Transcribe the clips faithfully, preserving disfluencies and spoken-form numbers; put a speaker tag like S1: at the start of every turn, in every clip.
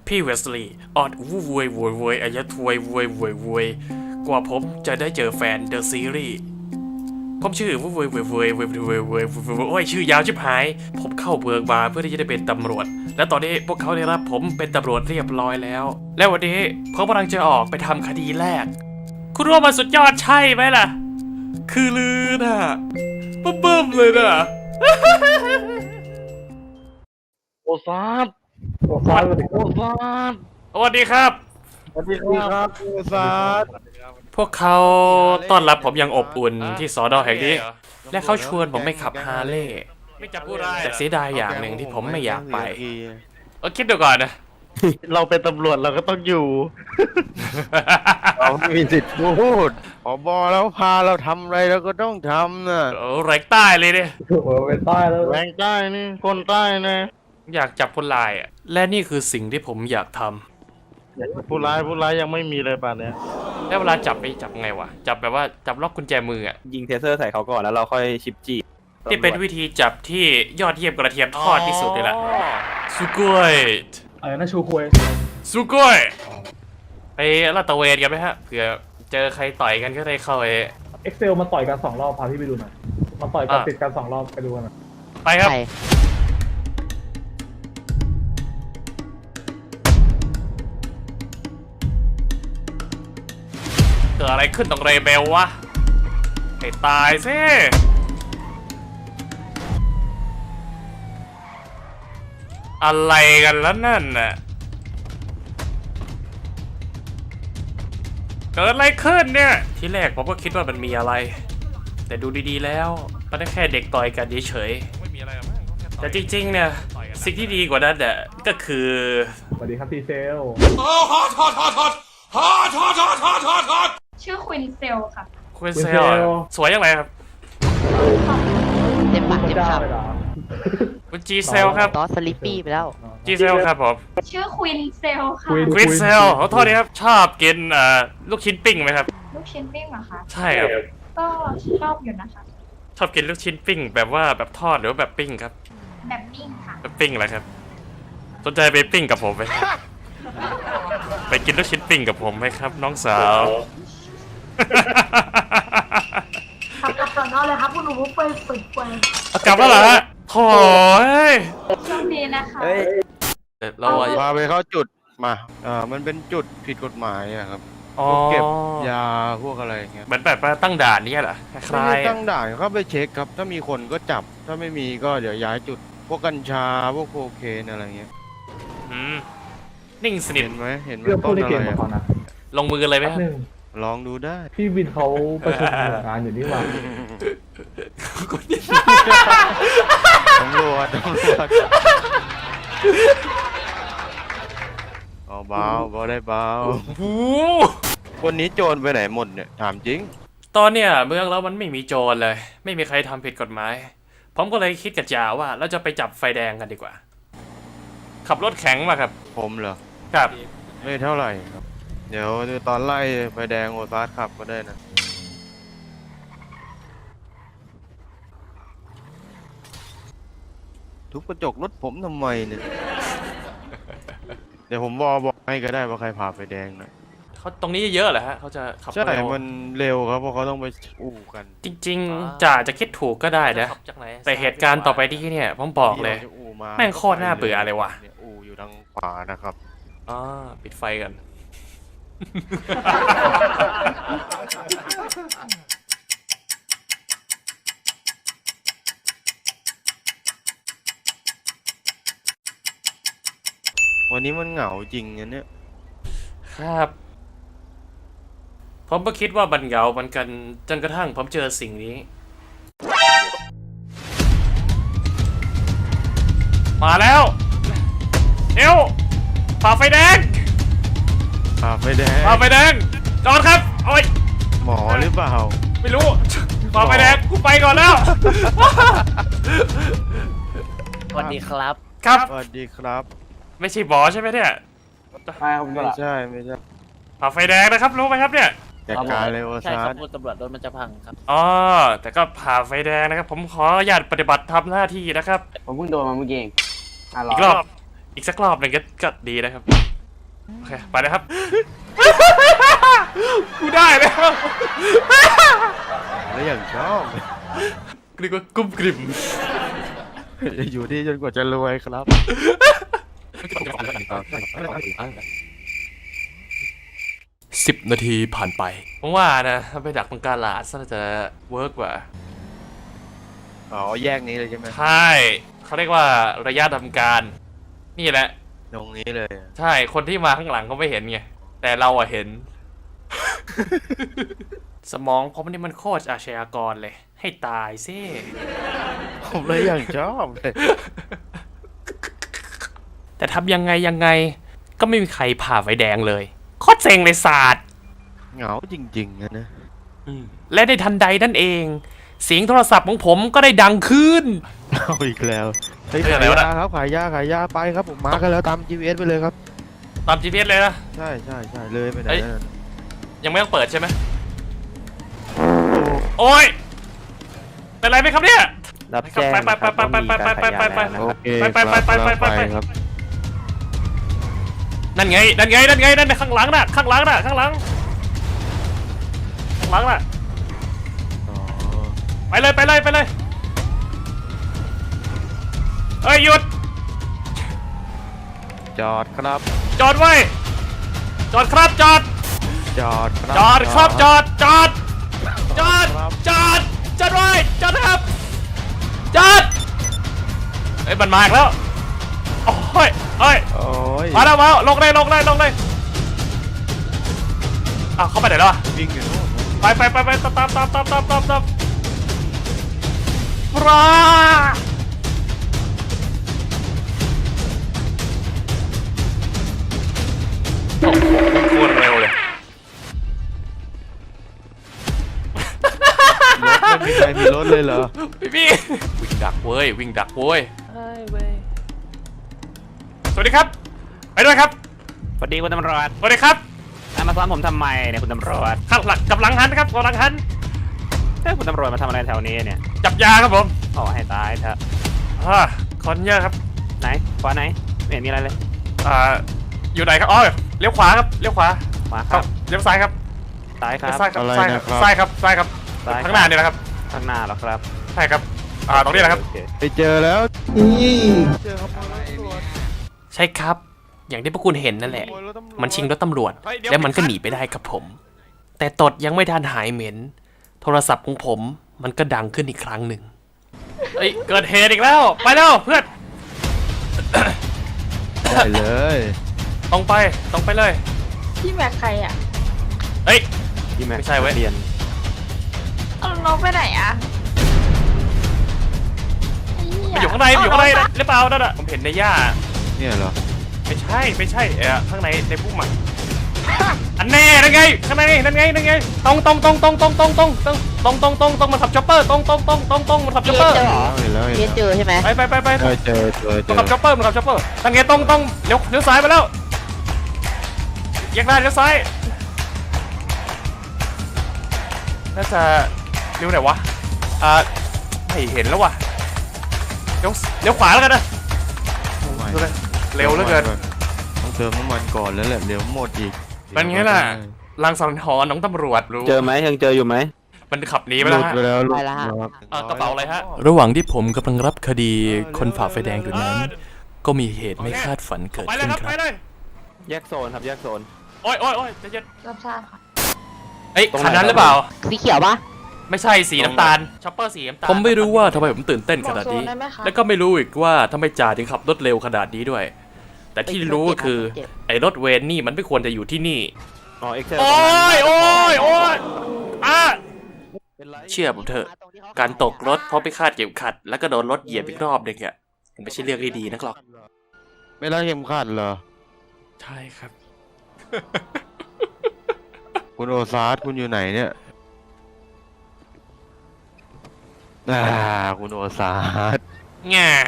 S1: พี่เวสลีย์ออดวูวยโวยโวยอายะทวยโวยโวยโวยกว่าผมจะได้เจอแฟนเดอะซีรีส์ผมชื่อวูวยโวยโวยโวยโวยโวยโอ้ยชื่อยาวชิบหายผมเข้าเบิร์กมาเพื่อที่จะได้เป็นตำรวจและตอนนี้พวกเขาได้รับผมเป็นตำรวจเรียบร้อยแล้วและวันนี้ผมกำลังจะออกไปทำคดีแรกคุณว่ามันสุดยอดใช่ไหมล่ะคือลือน่ะบึ้มๆเลยน่ะ
S2: โอซาด
S3: โอ้ซาด
S2: โอซาด
S1: สวัสดีครับ
S2: สวัสดีครับโอซาด
S1: พวกเขาต้อนรับผมอย่างอบอุ่นที่สอนอแห่งนี้และเขาชวนผมไปขับฮาร์เลย์แต่เสียดายอย่างหนึ่งที่ผมไม่อยากไปเออคิดดูก่อนนะ
S2: เราเป็นตำรวจเราก็ต้องอยู่ เราไม่มีสิทธิ์พูดผบแล้วพาเราทำอะไรเราก็ต้องทำนะ
S1: โอ้แรงใต้เลยเนี่ย
S3: โอ้โหไปใต้แล้ว
S2: แรงใต้นี่คนใต้นะ
S1: อยากจับคนร้ายอ่ะและนี่คือสิ่งที่ผมอยากทำ
S2: ผู้ร้ายผู้ร้ายยังไม่มีเลยป่านเนี้ย
S1: แล้วเวลาจับไปจับไงวะจับแบบว่าจับล็อกกุญแจมืออ่ะ
S4: ยิงเทเซอร์ใส่เขาก่อนแล้วเราค่อยชิปจีบ
S1: ที่เป็นวิธีจับที่ยอดเยี่ยมกระเทียมทอดที่สุดเลยล่ะสุโกย
S3: อะไรนะชูควย
S1: สุโกยไปลาดตระเวนกันไหมฮะเผื่อเจอใครต่อยกันก็ได้เข้าไป
S3: เอ็กเซลมาต่อยกันสองรอบพาพี่ไปดูหน่อยมาต่อยกัน
S1: อ่ะ
S3: ติดกันสองรอบไปดูกันหน่อย
S1: ไปครับเกิดอะไรขึ้นตรงเรเบลวะให้ตายสิอะไรกันแล้วนั่นน่ะเกิดอะไรขึ้นเนี่ยที่แรกผมก็คิดว่ามันมีอะไรแต่ดูดีๆแล้วมันแค่เด็กต่อยกันเฉยๆแต่จริงๆเนี่ยสิ่งที่ดีกว่านั้นน่ะก็คือ
S3: สวัสดีครับทีเซล
S5: ชื่อควินเซลค่ะ
S1: คุณเซลสวยยังไงครับ
S6: เต็มปากเต็ม
S3: จ้า
S6: คำ
S3: เลยเหรอ
S1: คุณจีเซลครับ
S6: ตอสสลิปปี้ไปแล้ว
S1: จีเซลครับผม
S5: ชื่อควินเซลค่ะ
S1: ควินเซลขอโทษนะครับชอบกินเอ่อลูกชิ้นปิ้งไหมครับ
S5: ลูกชิ้นปิ้งเหรอคะ
S1: ใช่ครับ
S5: ก็ชอบอยู่นะคะ
S1: ชอบกินลูกชิ้นปิ้งแบบว่าแบบทอดหรือว่าแบบปิ้งครับ
S5: แบบนิ่งค่ะ
S1: แบบปิ้งอะไรครับสนใจไปปิ้งกับผมไหมไปกินลูกชิ้นปิ้งกับผมไหมครับ น้องสาว
S5: ขับกลับก่อนนอนเลยครับคุณหนูไปฝึกไป
S1: เอากลับแล้วเหรอฮะโถ่เอ้ย
S5: ช่วงนี้นะคะ
S4: เฮ้ย
S1: เดี๋ยวเราอะ
S2: พาไปเข้าจุดมาอ่ามันเป็นจุดผิดกฎหมายอะครับ
S1: อ๋อ
S2: เก็บยาพวกอะไรอย่างเงี้ย
S1: เหมือนแบบว่าตั้งด่านนี่เหรอค
S2: ไม่
S1: ล้า
S2: ได้
S1: ย
S2: ตั้งด่านเข้าไปเช็คครับ ถ้ามีคนก็จับถ้าไม่มีก็เดี๋ยวย้ายจุด พวกกัญชาพวกโคเคนอะไรเงี้ย
S1: ๆอืมนิ่งสนิท
S2: เห็นไหมเห็นไหม
S3: เรื่องพู
S2: ต้
S3: ด
S2: น
S3: ใน
S2: อะ
S3: เก
S2: ไร
S3: มมา
S2: อะ
S3: ก่อนนะ
S1: ลงมือเลยไหม
S3: แป๊บ
S1: ครับ
S3: หนึง
S2: ลองดูได้
S3: พี่วินเขาประชุมหน่วยงานอยู่นี่หว่า
S2: ตำรวจตำรวจเอาเบาเบาได้เบา
S1: โอ้โห
S2: คนนี้โจรไปไหนหมดเนี่ยถามจริง
S1: ตอนเนี้ยเมืองเรามันไม่มีโจรเลย ไม่มีใครทำผิดกฎหมาย ผมก็เลยคิดกับจ่าว่าเราจะไปจับไฟแดงกันดีกว่า ขับรถแข็งมาครับ
S2: ผมเหรอ
S1: ครับ
S2: ไม่เท่าไหร่ครับ เดี๋ยวตอนไล่ไฟแดงโอซาร์ขับก็ได้นะ ทุบกระจกรถผมทำไมเนี่ย เดี๋ยวผมบอกบอกให้ก็ได้ว่าใครผ่าไฟแดงนะ
S1: เขาตรงนี้เยอะเหรอฮะเขาจะขับ
S2: ใช่
S1: เร็ว
S2: มันเร็วครับเพราะเขาต้องไปอู้กัน
S1: จริงๆจ่าจะคิดถูกก็ได้นะแต่เหตุการณ์ต่อไปที่เนี่ยผมบอกเลย
S2: ที่ราจะอู้า
S1: แม่งโคตรน่าเบื่อเลยว่ะ
S2: นี่อู่อยู่ทางขวานะครับ
S1: อ๋อปิดไฟกัน
S2: วันนี้มันเหงาจริงนะเนี่ย
S1: ครับ ผมก็คิดว่าบันเหงาเหมือนกันจนกระทั่งผมเจอสิ่งนี้ มาแล้วเอวฝ่าไฟแดง
S2: ผ่าไฟแดง
S1: ฝ่าไฟแดงจอดครับโอ้ย
S2: หมอหรือเปล่า
S1: ไม่รู้ฝ่าไฟแดงกูไปก่อนแล้ว
S6: สวัสดีครับ
S1: ครับ
S2: สวัสดีครับ
S1: ไม่ใช่บอใช่ไหมเนี่ย
S2: ไม่ใช่ไม่ใช่
S1: ฝ่าไฟแดงนะครับรู้ไหมครับเนี่ย
S2: จัดการเลยโอ
S6: ใช่
S2: ซา
S6: ครับ
S2: ร์
S6: คุณตำรวจรถมันจะพังครับ
S1: อ๋อแต่ก็ผ่าไฟแดงนะครับ ผมขออนุญาตปฏิบัติทำหน้าที่นะครับ
S7: ผมเพิ่งโดนมาเมื่อกี้เองอ่ะรอ
S1: อีกรอบอีกสักรอบหนึ่งก็ก็ดีนะครับโอเคไปเลยครับ กูได้แล้ว
S2: แล้วอย่างชอบ
S1: เรียกว่ากุ้มกลิ่ม
S2: จะอยู่ที่จนกว่าจะรวยครับ
S1: สิบนาทีผ่านไปผมว่านะถ้าไปดักตรงกาลาดน่าจะเวิร์กกว่า
S2: อ๋อแยกนี้เลยใช่ไหม
S1: ใช่เขาเรียกว่าระยะทำการ นี่แหละ
S2: ตรงนี้เลย
S1: ใช่คนที่มาข้างหลังเขาไม่เห็นไงแต่เราอะเห็น สมองผมนี่มันโคตรอาชญากรเลย ให้ตายซิ
S2: ผมเลยอย่างชอบเลย
S1: แต่ทำยังไงยังไงก็ไม่มีใครผ่าไฟแดงเลยโคตรเซ็งเลยศาสตร์
S2: เหงาจริงๆนะนะ
S1: และในทันใดนั่นเอง เสียงโทรศัพท์ของผมก็ได้ดังขึ้น
S2: เอาอีกแล้วเฮ้ย
S1: เรื่อ
S2: ขาง ย
S1: อะไรวะ
S2: ยาครับขายยาขายยาไปครับผมมากันแล้วตาม จี พี เอส ไปเลยครับ
S1: ตาม จี พี เอส เลยนะ
S2: ใช่ใช่ใช่เลยไปไหน
S1: เอ้ย
S2: นั่น
S1: ยังไม่ต้องเปิดใช่ไหมโอ้ยเป็นไรไหมครับเนี่ย
S4: รับแจ้งนะครับว่ามีการขายยาแล้วนะ
S2: โอ
S4: ครับ
S2: เค
S1: ไปไปไปไปไปไปไป
S2: ครับ
S1: นั่นไงนั่นไงนั่นไงนั่นไงข้างหลังน่ะข้างหลังน่ะข้างหลังข้างหลังน่ะ
S2: อ๋อ
S1: ไปเลยไปเลยไปเลยเอ้ยหยุด
S2: จอดครับ
S1: จอดไว้จอดครับจอด
S2: จอดครับ
S1: จอดครับจอดจอดจอด
S2: ครับ
S1: จอดจอดไว้จอดนะครับจอดเอ้ยมันมาอีกแล้วโอ้ยเอ้ย
S2: โอ้ย
S1: มาแล้วมาแล้วลงเลยลงเลยลงเลยอ้าวเข้าไปไหนแล้วอะ
S2: วิ่งอยู่โน่น
S1: ไปไปไปไปตามตามตามตามตามตามตามปลาโอ้โหโคตรเร็วเลย
S2: รถไม่มีใครมีรถเลยเหรอ
S1: พี่พี่วิ่งดักเว้ยวิ่งดักเว้ยสวัสดีครับไปด้วยครับ
S4: สวัสดีคุณตำรวจ
S1: สวัสดีครับ
S4: อ่ะมาซ้อมผมทำไมเนี่ยคุณตำรวจ
S1: ข้างหลังกับหลังหันครับกับหลังหัน
S4: เอ้ยคุณตำรวจมาทำอะไรแถวนี้เนี่ย
S1: จับยาครับผม
S4: ขอให้ตายเถอะ
S1: อ่าคนเยอะครับ
S4: ไหนขวาไหนไม่เห็นมีอะไรเลย
S1: อ่าอยู่ไหนครับอ๋อเลี้ยวขวาครับเลี้ยวขวา
S4: ขวาค
S1: ครั
S4: รั
S1: บบ เลี้ยวซ้ายครับ
S4: ซ้ายครับ
S1: ซ้ายครับ
S2: อะไร
S1: ซ้ายค
S2: นะ
S1: รับ
S2: ครับ
S1: ซ้ายครับซ้ายครับ
S4: ซ้ายครับ
S1: ข้างหน้านี่แหละครับ
S4: ข้างหน้าเหรอครับ
S1: ใช่ครับอ่าตรงนี้แหละครับ
S4: โอเ
S2: ไปเจอแล้วเจอครับรถตำรวจ
S1: ใช่ครับ อย่างที่พวกคุณเห็นนั่นแหละ
S2: ขโมยรถตำรวจ
S1: มันชิงรถตำรวจ แล้วมันก็หนีไปได้ครับผม แต่ตดยังไม่ทันหายเหม็น โทรศัพท์ของผมมันก็ดังขึ้นอีกครั้งหนึ่งเอ้ยเกิดเหตุอีกแล้ว ไปแล้วเพื่อน
S2: ได้เลย
S1: ตรงไปตรงไปเลย
S5: พี่แม็กใครอ่ะ
S1: เฮ้ย
S4: พี่แม็ก
S1: ไม่ใช่เว้ย
S4: เรียน
S5: เอาน้องไปไหนอ่ะไเหี้
S1: มันอยู่ข้างในมันอยู่ข้างในนะหรือเปล่านั่นอะผมเห็นในหญ้า
S2: เนี่ยเหรอ
S1: ไม่ใช่ไม่ใช่เออข้างในในพุ่มอ่ะอันแน่นั่นไงข้างในนั่นไงนั่นไงตรงตรงตรงตรงตรงตรงตรงตรงตรงตรงตรงตรงมันขับช็อปเปอร์ตรงตรงตรงตรงตรงมันขับช็อปเปอร์
S6: เจอเหรอ
S2: เห็นแล้วเห็น
S6: เรียนเจ
S2: แล้ว
S6: อใช่ไหม
S1: ไปไปไปไป
S2: เออเจอเจอเจ
S1: มัน
S2: อ
S1: ขับช็อปเปอร์มันขับช็อปเปอร์นั่นไงตรงตรงเลี้ยวเลี้ยวซ้ายไปแล้วแยกได้เลี้ยวซ้ายน่าจะเลี้ยวไหนวะอ่าไม่เห็นแล้วว่ะเลี้ยวเลี้ยวขวาแล้วกันนะดูเลยเร็วเหลือเกิน
S2: ต้องเติมน้ำมันก่อนแล้วแหละเร็วหมดอีก
S1: เป็นไงล่ะลังสังหรณ์ของตำรวจรู้
S4: เจอไหมยังเจออยู่ไหม
S1: มันขับหนีไป
S2: ห
S1: แล้
S2: ลุ
S1: ว
S2: ด
S1: ฮะ
S2: ไปแล้วหลุด
S6: ไปแล้วฮะ
S2: ครับ
S1: อ่ากระเป๋าอะไรฮะ
S7: ระหว่างที่ผมกำลังรับคดีคนฝ่าไฟแดงอยู่นั้น ก็มีเหตุไม่คาดฝันเกิด
S1: ไปเลย
S7: ขึ้น
S1: ครับ
S7: ค
S1: ไป
S7: รับ
S1: เลย
S4: แยกโซนครับแยกโซน
S1: โอ้ยโอ้ยโอ้ยใจะเย็น
S5: รับทราบค่ะ
S1: เอ้ย
S4: ตรงไหน
S1: คันนั้นหรือเปล่า
S6: สีเขียวปะ
S1: ไม่ใช่สีน้ำตาลช็อปเปอร์สีน้ำตาล
S7: ผมไม่รู้ว่าทำไมผมตื่นเต้นขนาดนี้
S5: บอกโซนได้ไหมคะ
S7: และก็ไม่รู้อีกว่าทำไมจ่าถึงขับรถเร็วขนาดนี้ด้วย แต่ที่รู้ก็คือไอ้รถเวนนี่มันไม่ควรจะอยู่ที่นี่
S4: อ๋อเอ็กเซล
S1: โอ้ยโอ้ยโอ้ยอ่ะ
S4: เป็นไร
S7: เชื่อผมเถอะ การตกรถเพราะไม่คาดเข็มขัด แล้วก็โดนรถเหยียบอีกรอบหนึงอ่ะมันไม่ใช่เรื่องที่ดีนักหรอก
S2: ไม่รัดเข็มขัดเหรอ
S7: ใช่ครับ
S2: คุณโอซาร์คุณอยู่ไหนเนี่ยอ่าคุณโอซาร์
S1: ง่า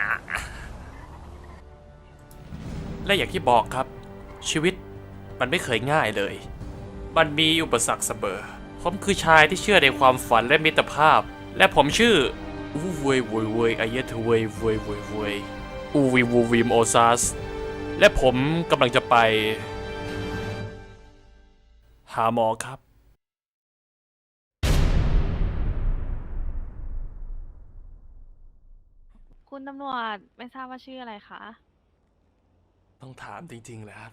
S7: และอย่างที่บอกครับ ชีวิตมันไม่เคยง่ายเลย มันมีอุปสรรคเสมอผมคือชายที่เชื่อในความฝันและมิตรภาพ และผมชื่ออูเวยเวยเวยอายะทเวยเวยเวยเวยอูวีวูวีมโอซัสและผมกำลังจะไป
S1: หาหมอครับ
S8: คุณตำรวจไม่ทราบว่าชื่ออะไรคะ
S1: ต้องถามจริงๆเลยครับ